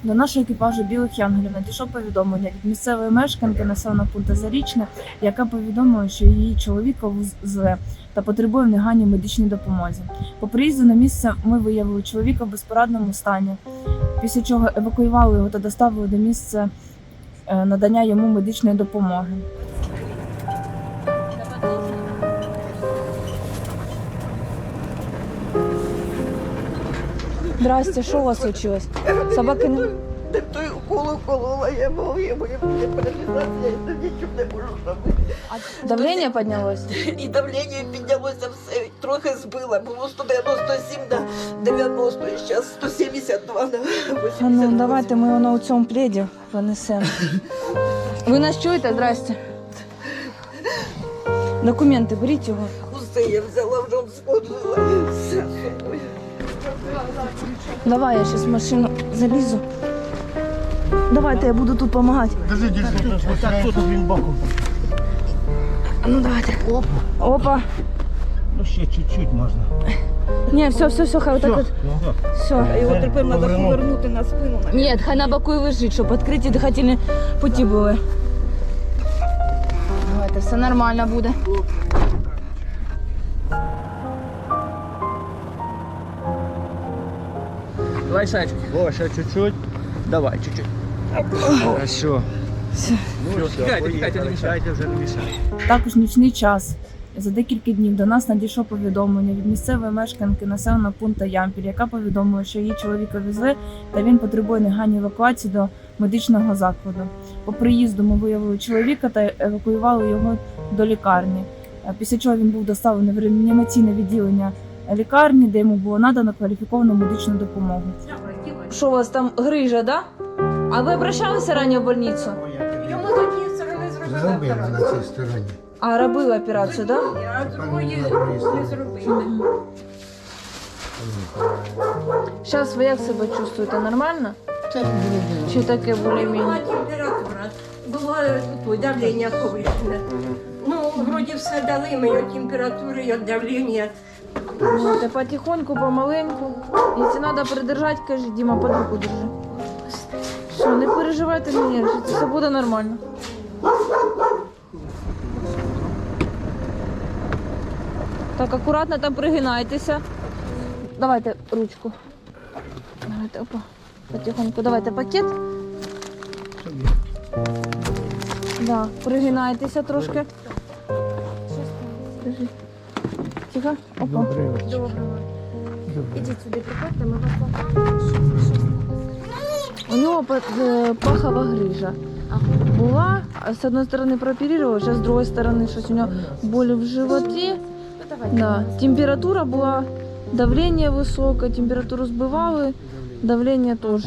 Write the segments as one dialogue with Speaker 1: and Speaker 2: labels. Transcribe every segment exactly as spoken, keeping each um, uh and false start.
Speaker 1: До нашого екіпажу «Білих янголів» надійшло повідомлення від місцевої мешканки населеного пункту Зарічне, яка повідомила, що її чоловіка зле та потребує в негайній медичній допомозі. По приїзду на місце ми виявили чоловіка в безпорадному стані, після чого евакуювали його та доставили до місця надання йому медичної допомоги. Здрасте, що у вас случилось? Собаки не...
Speaker 2: Так той укол уколола, я мов, я моя паралізація, я нічого не можу робити.
Speaker 1: А давлення піднялось?
Speaker 2: І давлення піднялося все, трохи збило. Було сто дев'яносто сім на дев'яносто, і зараз сто сімдесят два на вісімдесят
Speaker 1: А ну,
Speaker 2: вісім.
Speaker 1: давайте ми його у цьому пледі понесемо. Ви нас чуєте? Здрасте. Документи, беріть його.
Speaker 2: Усе я взяла, вже сходила. Все з собою.
Speaker 1: Давай, я зараз в машину залізу. Давайте, я буду тут допомагати.
Speaker 3: Держи, держи. Вот так, тут він боком.
Speaker 1: Ну, давайте.
Speaker 3: Опа.
Speaker 1: Опа.
Speaker 3: Ну ще чуть-чуть можна.
Speaker 1: Ні, все, все, все, хай отак от. Все.
Speaker 2: Його тепер треба повернути на спину.
Speaker 1: Ні, хай на боку і лежить, щоб відкриті дихательні путі були. Давайте, все нормально буде.
Speaker 3: Давай, Сачка. О, ще чуть-чуть. Давай, чуть-чуть. Хорошо.
Speaker 1: Все.
Speaker 3: Ну, все, тікайте, тікайте, не мішайте, вже не мішайте.
Speaker 1: Також нічний час. За декілька днів до нас надійшло повідомлення від місцевої мешканки населеного пункту Ямпіль, яка повідомила, що її чоловіка везли та він потребує негайної евакуації до медичного закладу. По приїзду ми виявили чоловіка та евакуювали його до лікарні. Після чого він був доставлений в реанімаційне відділення лікарні, де йому було надано кваліфіковану медичну допомогу. Що у вас там грижа, да? А ви обращалися раніше в больницю?
Speaker 4: Йому з однієї сторони зробили
Speaker 5: Зробили на
Speaker 4: операцію.
Speaker 5: цій стороні.
Speaker 1: А робили операцію, да?
Speaker 4: А з другої не зробили.
Speaker 1: Зараз ви як себе чувствуєте? Нормально?
Speaker 5: Так буде.
Speaker 1: Чи таке
Speaker 4: Була
Speaker 1: більш-менш?
Speaker 4: температура, було тут давлення повищене. Ну, вроді все дали мені температури і давлення.
Speaker 1: Знаєте, потихоньку, помаленьку. Якщо треба придержати, кажи, Діма, під руку держи. Що, не переживайте, не нервничайте, все буде нормально. Так, акуратно там пригинайтеся. Давайте ручку. Давайте, опа. Потихоньку. Давайте пакет. Да, пригинайтеся трошки. Держи. Тихо. Опа.
Speaker 5: Добрий вечір.
Speaker 1: Доброго.
Speaker 6: Ідіть сюди, приходьте, ми вас покажемо.
Speaker 1: У нього е, пахова грижа була, а з одної сторони прооперували, зараз з другої сторони щось у нього болі в животі. Да. Температура була, давлення високе, температуру збивали, давлення теж.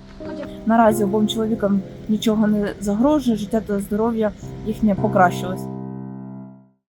Speaker 1: Наразі обом чоловікам нічого не загрожує, життя та здоров'я їхнє покращилось.